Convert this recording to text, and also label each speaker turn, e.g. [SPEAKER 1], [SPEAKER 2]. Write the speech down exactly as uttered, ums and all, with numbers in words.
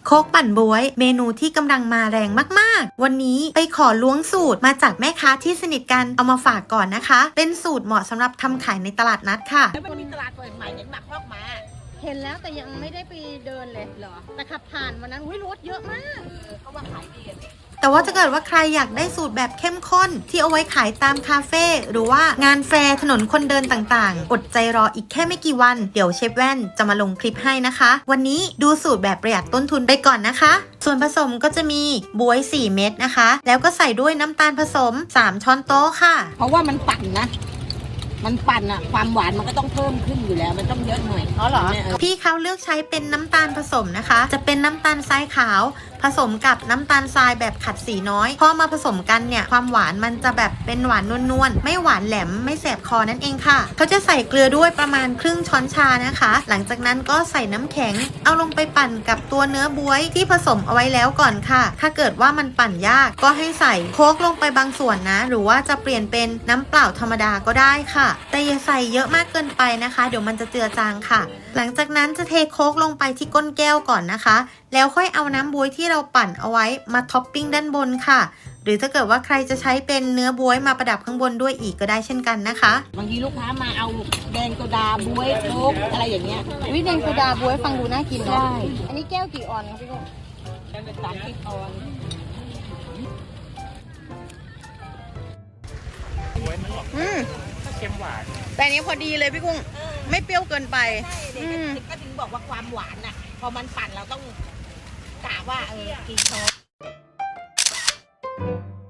[SPEAKER 1] โคกปั่นบ๊วยเมนูที่กำลังมาแรงมากๆวันนี้ไปขอล้วงสูตรมาจากแม่ค้าที่สนิทกันเอามาฝากก่อนนะคะเป็นสูตรเหมาะสำหรับทำขายในตลาดนัดค่ะ
[SPEAKER 2] แล้วมันมีตลาดเปิดใหม่เห็นหมักพอกมา
[SPEAKER 3] เห็นแล้วแต่ยังไม่ได้ไปเดินเลยเหรอแต่ขับผ่านวันนั้นอุ้ยรถเยอะมาก
[SPEAKER 2] เขาว่าขายดี
[SPEAKER 1] แต่ว่าถ้าเกิดว่าใครอยากได้สูตรแบบเข้มข้นที่เอาไว้ขายตามคาเฟ่หรือว่างานแฟร์ถนนคนเดินต่างๆอดใจรออีกแค่ไม่กี่วันเดี๋ยวเชฟแว่นจะมาลงคลิปให้นะคะวันนี้ดูสูตรแบบประหยัดต้นทุนไปก่อนนะคะส่วนผสมก็จะมีบ๊วยสี่เม็ดนะคะแล้วก็ใส่ด้วยน้ำตาลผสมสามช้อนโต๊ะค่ะ
[SPEAKER 2] เพราะว่ามันปั่นนะมันปั่นอะความหวานมันก็ต้องเพิ่มขึ้นอยู่แล้วมันต้องเยอะหน่อย
[SPEAKER 3] อ๋อเหรอ
[SPEAKER 1] พี่เขาเลือกใช้เป็นน้ำตาลผสมนะคะจะเป็นน้ำตาลทรายขาวผสมกับน้ำตาลทรายแบบขัดสีน้อยพอมาผสมกันเนี่ยความหวานมันจะแบบเป็นหวานนวลๆไม่หวานแหลมไม่แสบคอนั่นเองค่ะเขาจะใส่เกลือด้วยประมาณครึ่งช้อนชานะคะหลังจากนั้นก็ใส่น้ำแข็งเอาลงไปปั่นกับตัวเนื้อบ๊วยที่ผสมเอาไว้แล้วก่อนค่ะถ้าเกิดว่ามันปั่นยากก็ให้ใส่โค้กลงไปบางส่วนนะหรือว่าจะเปลี่ยนเป็นน้ำเปล่าธรรมดาก็ได้ค่ะแต่อย่าใส่เยอะมากเกินไปนะคะเดี๋ยวมันจะเจือจางค่ะหลังจากนั้นจะเทโค้กลงไปที่ก้นแก้วก่อนนะคะแล้วค่อยเอาน้ำบ๊วยที่เราปั่นเอาไว้มาท็อปปิ้งด้านบนค่ะหรือถ้าเกิดว่าใครจะใช้เป็นเนื้อบ๊วยมาประดับข้างบนด้วยอีกก็ได้เช่นกันนะคะ
[SPEAKER 2] บางทีลูกค้ามาเอาแดงโซดาบ๊วยโค้กอะไรอย่างเงี้ย
[SPEAKER 3] วิแดงโซดาบ๊วยฟังดูน่ากินเนาะอันนี้แก้วกี่ออนคะพี่ลูก
[SPEAKER 2] แดงเป็นสามสิบออน
[SPEAKER 3] บ๊วยมันออกอืมเค็มหวานแต่อันนี้พอดีเลยพี่กุ้งไม่เปรี้ยวเกินไป
[SPEAKER 2] ใช่ก็ถึงบอกว่าความหวานน่ะพอมันปั่นเราต้องกะว่าเออกี่ช้อน